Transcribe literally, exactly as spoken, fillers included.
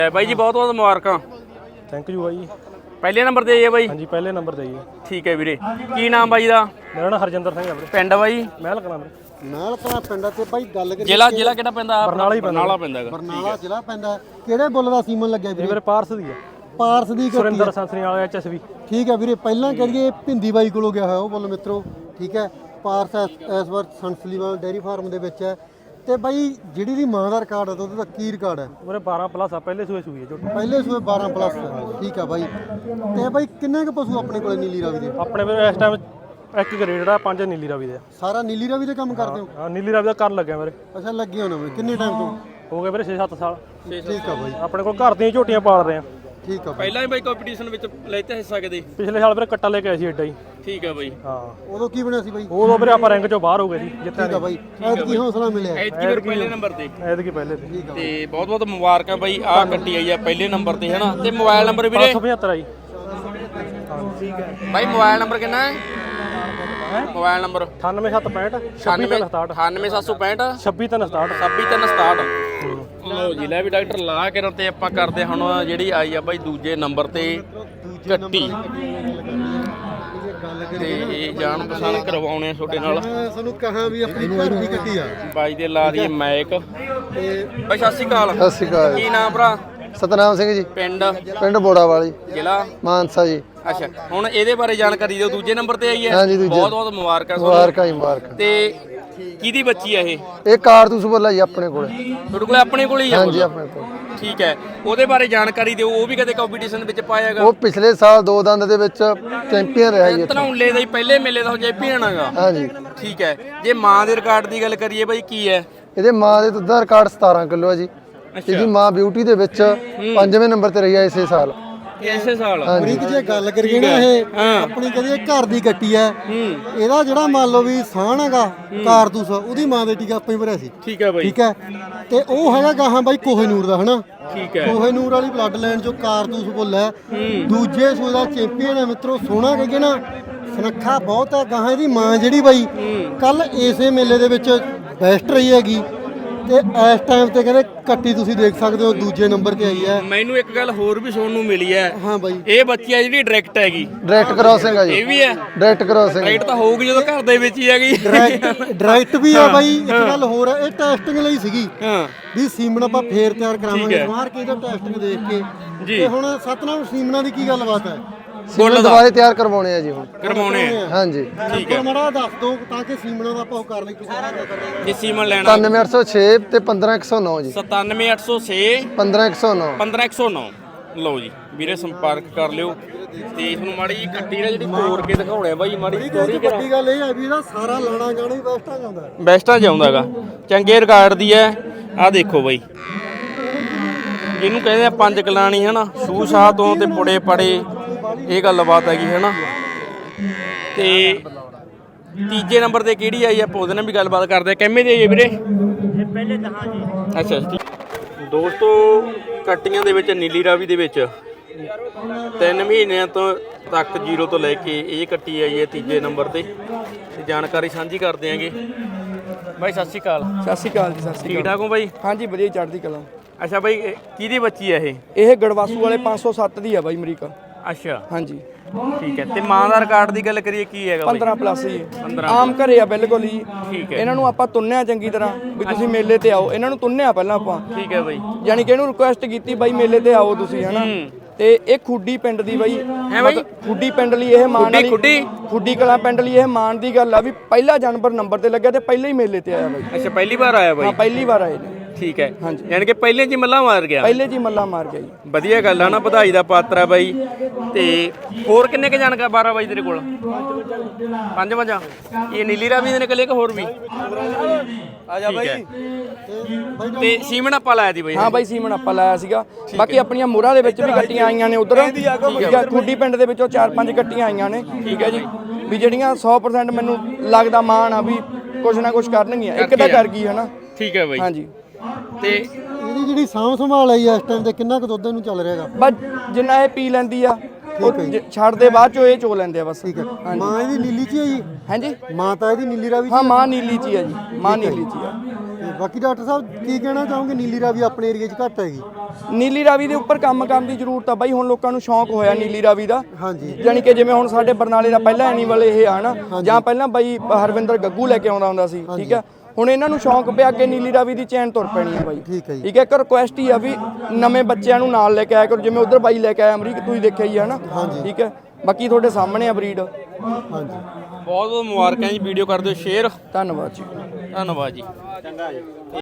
ਬਾਈ ਜੀ ਬਹੁਤ ਬਹੁਤ ਮੁਬਾਰਕਾਂ। ਥੈਂਕ ਯੂ ਬਾਈ। ਪਹਿਲੇ ਨੰਬਰ ਤੇ ਆਈਏ ਬਾਈ? ਹਾਂਜੀ ਪਹਿਲੇ ਨੰਬਰ ਤੇ ਆਈਏ। ਠੀਕ ਹੈ ਵੀਰੇ। ਕੀ ਨਾਮ ਬਾਈ ਦਾ? ਮੇਰਾ ਨਾਮ ਹਰਜਿੰਦਰ ਸਿੰਘ ਹੈ ਵੀਰੇ। ਪਿੰਡ ਬਾਈ? ਮਹਿਲ ਕਲਾਂ ਵੀਰੇ। ਮਹਿਲ ਕਲਾਂ ਪਿੰਡ ਤੇ ਬਾਈ ਗੱਲ ਕਰੀਏ ਜ਼ਿਲ੍ਹਾ ਜ਼ਿਲ੍ਹਾ ਕਿਹੜਾ ਪੈਂਦਾ? ਬਰਨਾਲਾ ਹੀ ਬਰਨਾਲਾ ਪੈਂਦਾ ਹੈਗਾ। ਬਰਨਾਲਾ ਜ਼ਿਲ੍ਹਾ ਪੈਂਦਾ। ਕਿਹੜੇ ਬੁੱਲ ਦਾ ਸੀਮਨ ਲੱਗਿਆ ਵੀਰੇ? ਮੇਰੇ ਪਾਰਸ ਦੀ ਹੈ। ਪਾਰਸ ਦੀ ਸੁਰਿੰਦਰ ਸੰਸਰੀ ਵਾਲਾ ਐਚ ਐਸ ਵੀ। ਠੀਕ ਹੈ ਵੀਰੇ। ਪਹਿਲਾਂ ਕਰੀਏ ਭਿੰਦੀ ਬਾਈ ਕੋਲੋਂ ਗਿਆ ਹੋਇਆ ਉਹ ਬੁੱਲ ਮਿੱਤਰੋ। ਠੀਕ ਹੈ। ਪਾਰਸ ਇਸ ਵਾਰ ਸੰਸਲੀਵਾਲ ਡੇਅਰੀ ਫਾਰਮ ਦੇ ਵਿੱਚ ਹੈ ਤੇ ਬਾਈ ਜਿਹੜੀ ਦੀ ਮਾਂ ਦਾ ਰਿਕਾਰਡ ਹੈ ਉਹਦਾ ਕੀ ਰਿਕਾਰਡ ਹੈ? ਮੇਰੇ ਬਾਰਾਂ ਪਲੱਸ ਆ। ਪਹਿਲੇ ਸੂਏ ਸੂਈ ਹੈ ਝੋਟੀ। ਪਹਿਲੇ ਸੂਏ ਬਾਰਾਂ ਪਲੱਸ। ਠੀਕ ਆ ਬਾਈ। ਤੇ ਬਾਈ ਕਿੰਨੇ ਕੁ ਪਸ਼ੂ ਆਪਣੇ ਕੋਲੇ ਨੀਲੀ ਰਾਵੀ ਦੇ? ਆਪਣੇ ਵੀਰੇ ਇਸ ਟਾਈਮ ਇੱਕ ਗ੍ਰੇਡ ਆ, ਪੰਜ ਨੀਲੀ ਰਾਵੀ ਦੇ। ਸਾਰਾ ਨੀਲੀ ਰਾਵੀ ਦੇ ਕੰਮ ਕਰਦੇ ਹੋ? ਹਾਂ ਨੀਲੀ ਰਾਵੀ ਦਾ ਕਰਨ ਲੱਗਿਆ ਮੇਰੇ। ਅੱਛਾ ਲੱਗੇ ਹੋਣਾ ਵੀਰੇ। ਕਿੰਨੇ ਟਾਈਮ ਤੋਂ ਹੋ ਗਏ ਵੀਰੇ? ਛੇ ਸੱਤ ਸਾਲ। ਠੀਕ ਆ ਬਾਈ। ਆਪਣੇ ਕੋਲ ਘਰ ਦੀਆਂ ਝੋਟੀਆਂ ਪਾਲ ਰਹੇ ਆ। ਠੀਕ ਆ। ਪਹਿਲਾਂ ਹੀ ਬਾਈ ਕੰਪੀਟੀਸ਼ਨ ਵਿੱਚ ਲੈਤੇ ਹਿੱਸਾ ਕਦੇ? ਪਿਛਲੇ ਸਾਲ ਵੀਰੇ ਕੱਟਾ ਲੈ ਕੇ ਆਏ ਸੀ ਏਡਾ ਹੀ। ਠੀਕ ਹੈ ਬਾਈ। ਹਾਂ ਉਦੋਂ ਕੀ ਬਣਿਆ ਸੀ ਬਾਈ? ਉਦੋਂ ਵੀਰੇ ਆਪਾਂ ਰੈਂਕ ਚੋਂ ਬਾਹਰ ਹੋ ਗਏ ਸੀ ਜਿੱਥੇ। ਠੀਕ ਆ ਬਾਈ। ਐਤਕੀ ਹੌਸਲਾ ਮਿਲਿਆ। ਐਤਕੀ ਫਿਰ ਪਹਿਲੇ ਨੰਬਰ ਤੇ? ਐਤਕੀ ਪਹਿਲੇ ਤੇ। ਠੀਕ ਆ ਤੇ ਬਹੁਤ ਬਹੁਤ ਮੁਬਾਰਕਾਂ ਬਾਈ। ਆਹ ਕੱਟੀ ਆਈ ਆ ਪਹਿਲੇ ਨੰਬਰ ਤੇ ਹੈਨਾ। ਤੇ ਮੋਬਾਈਲ ਨੰਬਰ ਵੀਰੇ? ਪੰਜ ਸੌ ਪਝੱਤਰ ਆਈ। ਬਾਈ ਮੋਬਾਈਲ ਨੰਬਰ ਕਿੰਨਾ ਹੈ? ਮੋਬਾਈਲ ਨੰਬਰ ਅਠਾਨਵੇਂ ਸੱਤ ਪੈਂਹਠ ਛੱਬੀ ਤਿੰਨ ਸਤਾਹਠ। ਅਠਾਨਵੇਂ ਸੱਤ ਸੌ ਪੈਂਹਠ ਛੱਬੀ ਤਿੰਨ ਸਤਾਹਠ। ਛੱਬੀ ਤਿੰਨ ਸਤਾਹਠ। ਲਓ ਜੀ ਲੈ ਵੀ ਡਾਕਟਰ ਲਾ ਕੇ ਤੇ ਆਪਾਂ ਕਰਦੇ ਹੁਣ ਜਿਹੜੀ ਆਈ ਆ ਬਾਈ ਦੂਜੇ ਨੰਬਰ ਤੇ ਕੱਟੀ ਤੇ ਇਹ ਜਾਣ ਪਛਾਣ ਕਰਵਾਉਣੇ ਆ ਤੁਹਾਡੇ ਨਾਲ। ਮੈਂ ਤੁਹਾਨੂੰ ਕਹਾਂ ਵੀ ਆਪਣੀ ਘਰ ਦੀ ਕੱਟੀ ਆ ਬਾਈ ਦੇ ਲਾ ਦੀ ਮੈਕ। ਤੇ ਬਾਈ ਸਤਿ ਸ਼੍ਰੀ ਅਕਾਲ। ਸਤਿ ਸ਼੍ਰੀ ਅਕਾਲ। ਕੀ ਨਾਮ ਭਰਾ? ਸਤਨਾਮ ਸਿੰਘ ਜੀ। ਪਿੰਡ? ਪਿੰਡ ਬੋੜਾ ਵਾਲੀ, ਜ਼ਿਲ੍ਹਾ ਮਾਨਸਾ ਜੀ। ਅੱਛਾ ਹੁਣ ਇਹਦੇ ਬਾਰੇ ਜਾਣਕਾਰੀ ਦਿਓ। ਦੂਜੇ ਨੰਬਰ ਤੇ ਆਈ ਹੈ? ਹਾਂਜੀ, ਦੂਜੇ। ਬਹੁਤ ਬਹੁਤ ਮੁਬਾਰਕਾਂ ਤੁਹਾਨੂੰ। ਮੁਬਾਰਕਾਂ ਜੀ ਮੁਬਾਰਕਾਂ। ਤੇ ਕਿਹਦੀ ਬੱਚੀ ਆ ਇਹ? ਇਹ ਕਾਰਤੂਸ ਬੋਲਾ ਜੀ ਆਪਣੇ ਕੋਲੇ। ਤੁਹਾਡੇ ਕੋਲ ਆਪਣੇ ਕੋਲ ਹੀ ਆ? ਹਾਂਜੀ ਆਪਣੇ ਕੋਲ। ਠੀਕ ਹੈ। ਉਹਦੇ ਬਾਰੇ ਜਾਣਕਾਰੀ ਦਿਓ। ਉਹ ਵੀ ਕਦੇ ਕੰਪੀਟੀਸ਼ਨ ਵਿੱਚ ਪਾਇਆਗਾ? ਉਹ ਪਿਛਲੇ ਸਾਲ ਦੋ ਦੰਦ ਦੇ ਵਿੱਚ ਚੈਂਪੀਅਨ ਰਿਹਾ ਜੀ। ਧਨੌਲੇ ਦਾ ਹੀ ਪਹਿਲੇ ਮੇਲੇ ਦਾ ਚੈਂਪੀਅਨ ਹੈਗਾ? ਹਾਂਜੀ। ਠੀਕ ਹੈ। ਜੇ ਮਾਂ ਦੇ ਰਿਕਾਰਡ ਦੀ ਗੱਲ ਕਰੀਏ ਬਾਈ ਕੀ ਹੈ? ਇਹਦੇ ਮਾਂ ਦੇ ਦੁੱਧ ਦਾ ਰਿਕਾਰਡ ਸਤਾਰਾਂ ਕਿਲੋ ਹੈ ਜੀ। ਇਹਦੀ ਮਾਂ ਬਿਊਟੀ ਦੇ ਵਿੱਚ ਪੰਜਵੇਂ ਨੰਬਰ ਤੇ ਰਹੀ ਹੈ ਇਸੇ ਸਾਲ। ਇਸੇ ਸਾਲ? ਬਰੀਕ ਜੇ ਗੱਲ ਕਰੀਏ ਨਾ ਇਹ ਆਪਣੀ ਕਰੀਏ ਘਰ ਦੀ ਕੱਟੀ ਐ। ਇਹਦਾ ਜਿਹੜਾ ਮੰਨ ਲਓ ਵੀ ਸਾਣ ਹੈਗਾ ਕਾਰਤੂਸ ਉਹਦੀ ਮਾਂ ਦੇ ਟੀਕਾ ਆਪਾਂ ਹੀ ਭਰਿਆ ਸੀ। ਠੀਕ ਹੈ ਬਾਈ। ਠੀਕ ਹੈ। ਤੇ ਉਹ ਹੈਗਾ ਗਾਹਾਂ ਬਾਈ ਕੋਹੇਨੂਰ ਦਾ ਹਨਾ। ਠੀਕ ਹੈ। ਕੋਹੇਨੂਰ ਵਾਲੀ ਬਲੱਡ ਲਾਈਨ ਚੋਂ ਕਾਰਤੂਸ ਬੁੱਲ ਹੈ। ਦੂਜੇ ਸੂਏ ਦਾ ਚੈਂਪੀਅਨ ਹੈ ਮਿੱਤਰੋ। ਸੋਹਣਾ ਕਹੀਏ ਨਾ ਸੁਨੱਖਾ ਬਹੁਤ ਹੈ। ਗਾਹਾਂ ਇਹਦੀ ਮਾਂ ਜਿਹੜੀ ਬਾਈ ਕੱਲ ਇਸੇ ਮੇਲੇ ਦੇ ਵਿੱਚ ਬੈਸਟ ਰਹੀ ਹੈਗੀ ਤੇ ਇਸ ਟਾਈਮ ਤੇ ਕਹਿੰਦੇ ਕੱਟੀ ਤੁਸੀਂ ਦੇਖ ਸਕਦੇ ਹੋ ਦੂਜੇ ਨੰਬਰ ਤੇ ਆਈ ਹੈ। ਮੈਨੂੰ ਇੱਕ ਗੱਲ ਹੋਰ ਵੀ ਸੁਣਨ ਨੂੰ ਮਿਲੀ ਹੈ। ਹਾਂ ਬਾਈ। ਇਹ ਬੱਚੀ ਆ ਜਿਹੜੀ ਡਾਇਰੈਕਟ ਹੈਗੀ? ਡਾਇਰੈਕਟ ਕ੍ਰਾਸਿੰਗ ਆ ਜੀ। ਇਹ ਵੀ ਹੈ ਡਾਇਰੈਕਟ ਕ੍ਰਾਸਿੰਗ। ਡਾਇਰੈਕਟ ਤਾਂ ਹੋਊਗੀ ਜਦੋਂ ਘਰ ਦੇ ਵਿੱਚ ਹੀ ਹੈਗੀ। ਡਾਇਰੈਕਟ ਡਾਇਰੈਕਟ ਵੀ ਆ ਬਾਈ। ਇੱਕ ਗੱਲ ਹੋਰ ਹੈ ਇਹ ਟੈਸਟਿੰਗ ਲਈ ਸੀਗੀ ਹਾਂ ਵੀ ਸੀਮਨ ਆਪਾਂ ਫੇਰ ਤਿਆਰ ਕਰਾਵਾਂਗੇ ਮਾਰ ਕੇ ਇਹਦਾ ਟੈਸਟਿੰਗ ਦੇਖ ਕੇ। ਜੀ। ਤੇ ਹੁਣ ਸਤਨਾਮ ਸੀਮਨਾਂ ਦੀ ਕੀ ਗੱਲਬਾਤ ਹੈ? ਸੀਮਨ ਦੁਬਾਰੇ ਤਿਆਰ ਕਰਵਾਉਣੇ ਆ ਜੀ ਹੁਣ। ਕਰਵਾਉਣੇ ਆ? ਹਾਂਜੀ। ਠੀਕ ਹੈ। ਮਾੜਾ ਦੱਸ ਦੋ ਤਾਂ ਕਿ ਸੀਮਨਾਂ ਦਾ ਆਪਾਂ ਉਹ ਕਰ ਲਈ ਕਿਸੇ ਤਰ੍ਹਾਂ ਦਾ ਕਰਾਂਗੇ। ਜੇ ਸੀਮਨ ਲੈਣਾ? ਸਤਾਨਵੇਂ ਅੱਠ ਸੌ ਛੇ ਤੇ ਪੰਦਰਾਂ ਇੱਕ ਸੌ ਨੌ ਜੀ। ਸਤਾਨਵੇਂ ਅੱਠ ਸੌ ਛੇ ਪੰਦਰਾਂ ਇੱਕ ਸੌ ਨੌ। ਪੰਦਰਾਂ ਇੱਕ ਸੌ ਨੌ। ਲਓ ਜੀ ਵੀਰੇ ਸੰਪਰਕ ਕਰ ਲਿਓ। ਤੇ ਤੁਹਾਨੂੰ ਮਾੜੀ ਜੀ ਕੱਟੀ ਨਾ ਜਿਹੜੀ ਤੋੜ ਕੇ ਦਿਖਾਉਣੇ ਬਾਈ ਮਾੜੀ ਤੋਰੀ ਕਰਾ। ਵੱਡੀ ਗੱਲ ਇਹ ਹੈ ਵੀ ਇਹਦਾ ਸਾਰਾ ਲਾਣਾ ਗਾਣਾ ਹੀ ਬੈਸਟ ਆ ਜਾਂਦਾ। ਬੈਸਟਾ ਜਾਉਂਦਾਗਾ ਚੰਗੇ ਰਿਕਾਰਡ ਦੀ ਹੈ। ਆਹ ਦੇਖੋ ਬਾਈ ਇਹਨੂੰ ਕਹਿੰਦੇ ਆ ਪੰਜ ਕਲਾਣੀ ਹੈ ਨਾ। ਸ਼ੂ ਸ਼ਾਹ ਤੋਂ ਤੇ ਪੁੜੇ ਪੜੇ ਇਹ ਗੱਲਬਾਤ ਹੈਗੀ ਹੈ ਨਾ। ਤੇ ਤੀਜੇ ਨੰਬਰ ਤੇ ਕਿਹੜੀ ਆਈ ਆਪਾਂ ਉਹਦੇ ਨਾਲ ਵੀ ਗੱਲਬਾਤ ਕਰਦੇ ਆ। ਕਿੰਨੇ ਦੀ ਆਈ ਵੀਰੇ? ਪਹਿਲੇ ਦਹਾਂ ਜੀ। ਅੱਛਾ ਦੋਸਤੋ ਕੱਟੀਆਂ ਦੇ ਵਿੱਚ ਨੀਲੀ ਰਾਵੀ ਦੇ ਵਿੱਚ ਤਿੰਨ ਮਹੀਨਿਆਂ ਤੋਂ ਤੱਕ ਜ਼ੀਰੋ ਤੋਂ ਲੈ ਕੇ ਇਹ ਕੱਟੀ ਆਈ ਹੈ ਤੀਜੇ ਨੰਬਰ ਤੇ। ਤੇ ਜਾਣਕਾਰੀ ਸਾਂਝੀ ਕਰਦੇ ਆਂਗੇ। ਬਾਈ ਸਤਿ ਸ਼੍ਰੀ ਅਕਾਲ। ਸਤਿ ਸ਼੍ਰੀ ਅਕਾਲ ਜੀ। ਸਤਿ ਸ਼੍ਰੀ ਠੀਕ ਠਾਕ ਹੋ ਬਾਈ? ਹਾਂਜੀ ਵਧੀਆ ਚੜ੍ਹਦੀ ਕਲਾ। ਅੱਛਾ ਬਾਈ ਕਿਹਦੀ ਬੱਚੀ ਆ ਇਹ? ਇਹ ਗੜਵਾਸੂ ਵਾਲੇ ਪੰਜ ਸੌ ਸੱਤ ਦੀ ਆ ਬਾਈ ਅਮਰੀਕਾ। ਅੱਛਾ ਹਾਂਜੀ ਠੀਕ ਹੈ। ਤੇ ਮਾਂ ਦਾ ਰਿਕਾਰਡ ਦੀ ਗੱਲ ਕਰੀਏ ਕੀ ਹੈਗਾ ਬਾਈ? ਪੰਦਰਾਂ ਪਲੱਸ ਜੀ। ਆਮ ਘਰੇ ਆ ਬਿਲਕੁਲ ਜੀ। ਠੀਕ ਹੈ। ਇਹਨਾਂ ਨੂੰ ਆਪਾਂ ਤੁੰਨਿਆ ਚੰਗੀ ਤਰ੍ਹਾਂ ਵੀ ਤੁਸੀਂ ਮੇਲੇ ਤੇ ਆਓ। ਇਹਨਾਂ ਨੂੰ ਤੁੰਨਿਆ ਪਹਿਲਾਂ ਆਪਾਂ। ਠੀਕ ਹੈ ਬਾਈ। ਯਾਨੀ ਕਿ ਇਹਨੂੰ ਰਿਕੁਐਸਟ ਕੀਤੀ ਬਾਈ ਮੇਲੇ ਤੇ ਆਓ ਤੁਸੀਂ ਹਨਾ। ਤੇ ਇਹ ਖੁੱਡੀ ਪਿੰਡ ਦੀ ਬਾਈ ਮਤਲਬ ਖੁੱਡੀ ਪਿੰਡ ਲਈ ਇਹ ਮਾਣ ਵਾਲੀ ਖੁੱਡੀ ਖੁੱਡੀ ਕਲਾਂ ਪਿੰਡ ਲਈ ਇਹ ਮਾਣ ਦੀ ਗੱਲ ਆ ਵੀ ਪਹਿਲਾ ਜਾਨਵਰ ਨੰਬਰ ਤੇ ਲੱਗਿਆ ਤੇ ਪਹਿਲੇ ਹੀ ਮੇਲੇ ਤੇ ਆਇਆ ਬਾਈ। ਅੱਛਾ ਪਹਿਲੀ ਵਾਰ ਆਇਆ ਬਾਈ? ਹਾਂ ਪਹਿਲੀ ਵਾਰ ਆਏ ਨੇ। ਠੀਕ ਹੈ। ਹਾਂਜੀ। ਯਾਨੀ ਕਿ ਪਹਿਲੇ ਜੀ ਮੱਲਾ ਮਾਰ ਗਿਆ? ਪਹਿਲੇ ਜੀ ਮੱਲਾ ਮਾਰ ਗਿਆ ਜੀ। ਵਧੀਆ ਗੱਲ ਆ ਨਾ। ਵਧਾਈ ਦਾ ਪਾਤਰ ਆ ਬਾਈ। ਤੇ ਹੋਰ ਕਿੰਨੇ ਕ ਜਾਣਕਾਰ ਬਾਰਾਂ ਬਾਈ ਤੇਰੇ ਕੋਲ? ਪੰਜ ਪੰਜਾਂ। ਇਹ ਨੀਲੀ ਰਾਵੀ ਦੇ ਨੇ ਕੱਲੇ ਕਿ ਹੋਰ ਵੀ? ਆ ਜਾ ਬਾਈ। ਤੇ ਸੀਮਨ ਆਪਾਂ ਲਾਇਆ ਦੀ ਬਾਈ? ਹਾਂ ਬਾਈ ਸੀਮਨ ਆਪਾਂ ਲਾਇਆ ਸੀਗਾ। ਬਾਕੀ ਆਪਣੀਆਂ ਮੋਹਰਾਂ ਦੇ ਵਿੱਚ ਵੀ ਗੱਟੀਆਂ ਆਈਆਂ ਨੇ ਉਧਰ। ਠੀਕ ਹੈ। ਖੁੱਡੀ ਪਿੰਡ ਦੇ ਵਿੱਚੋਂ ਚਾਰ ਪੰਜ ਗੱਟੀਆਂ ਆਈਆਂ ਨੇ। ਠੀਕ ਹੈ ਜੀ। ਵੀ ਜਿਹੜੀਆਂ ਸੌ ਪ੍ਰਸੈਂਟ ਮੈਨੂੰ ਲੱਗਦਾ ਮਾਣ ਆ ਵੀ ਕੁਛ ਨਾ ਕੁਛ ਕਰਨਗੀਆਂ। ਇੱਕ ਤਾਂ ਕਰ ਗਈ ਹਨਾ। ਠੀਕ ਹੈ ਬਾਈ। ਹਾਂਜੀ। ਤੇ ਇਹਦੀ ਜਿਹੜੀ ਸਾਂਭ ਸੰਭਾਲ ਆਈ ਇਸ ਟਾਈਮ ਤੇ ਕਿੰਨਾ ਕੁ ਦੁੱਧ ਇਹਨੂੰ ਚੱਲ ਰਿਹਾਗਾ? ਬਸ ਜਿੰਨਾ ਇਹ ਪੀ ਲੈਂਦੀ ਆ ਉਹ ਛੱਡ ਦੇ ਬਾਅਦ ਚੋਂ ਇਹ ਚੋ ਲੈਂਦੇ ਆ ਬਸ। ਠੀਕ ਹੈ। ਮਾਂ ਇਹਦੀ ਨੀਲੀ ਚ ਹੈ ਜੀ? ਹਾਂਜੀ ਮਾਂ ਤਾਂ ਇਹਦੀ ਨੀਲੀ ਰਾਵੀ ਚ? ਹਾਂ ਮਾਂ ਨੀਲੀ ਚ ਆ ਜੀ। ਮਾਂ ਨੀਲੀ ਚ ਆ। ਬਾਕੀ ਡਾਕਟਰ ਸਾਹਿਬ ਕੀ ਕਹਿਣਾ ਚਾਹੋਗੇ, ਨੀਲੀ ਰਾਵੀ ਆਪਣੇ ਏਰੀਆ 'ਚ ਘੱਟ ਹੈਗੀ? ਨੀਲੀ ਰਾਵੀ ਦੇ ਉੱਪਰ ਕੰਮ ਕਰਨ ਦੀ ਜ਼ਰੂਰਤ ਆ ਬਾਈ। ਹੁਣ ਲੋਕਾਂ ਨੂੰ ਸ਼ੌਂਕ ਹੋਇਆ ਨੀਲੀ ਰਾਵੀ ਦਾ, ਹਾਂਜੀ ਯਾਨੀ ਕਿ ਜਿਵੇਂ ਹੁਣ ਸਾਡੇ ਬਰਨਾਲੇ ਦਾ ਪਹਿਲਾ ਐਨੀਮਲ ਇਹ ਆ ਨਾ, ਜਾਂ ਪਹਿਲਾਂ ਬਾਈ ਹਰਵਿੰਦਰ ਗੱਗੂ ਲੈ ਕੇ ਆਉਂਦਾ ਹੁੰਦਾ ਸੀ, ਠੀਕ ਹੈ। ਹੁਣ ਇਹਨਾਂ ਨੂੰ ਸ਼ੌਂਕ ਪਿਆ ਅੱਗੇ ਨੀਲੀ ਰਾਵੀ ਦੀ ਚੈਨ ਤੁਰ ਪੈਣੀ ਆ ਬਾਈ। ਠੀਕ ਹੈ ਜੀ। ਠੀਕ ਹੈ, ਇੱਕ ਰਿਕੁਐਸਟ ਹੀ ਆ ਵੀ ਨਵੇਂ ਬੱਚਿਆਂ ਨੂੰ ਨਾਲ ਲੈ ਕੇ ਆਇਆ ਕਰੋ, ਜਿਵੇਂ ਉਧਰ ਬਾਈ ਲੈ ਕੇ ਆਇਆ ਅਮਰੀਕ, ਤੁਸੀਂ ਦੇਖਿਆ ਹੀ ਹੈ ਨਾ। ਠੀਕ ਹੈ, ਬਾਕੀ ਤੁਹਾਡੇ ਸਾਹਮਣੇ ਆ ਬਰੀਡ। ਹਾਂਜੀ ਬਹੁਤ ਬਹੁਤ ਮੁਬਾਰਕਾਂ ਜੀ, ਵੀਡੀਓ ਕਰ ਦਿਓ ਸ਼ੇਅਰ। ਧੰਨਵਾਦ ਜੀ। ਧੰਨਵਾਦ ਜੀ।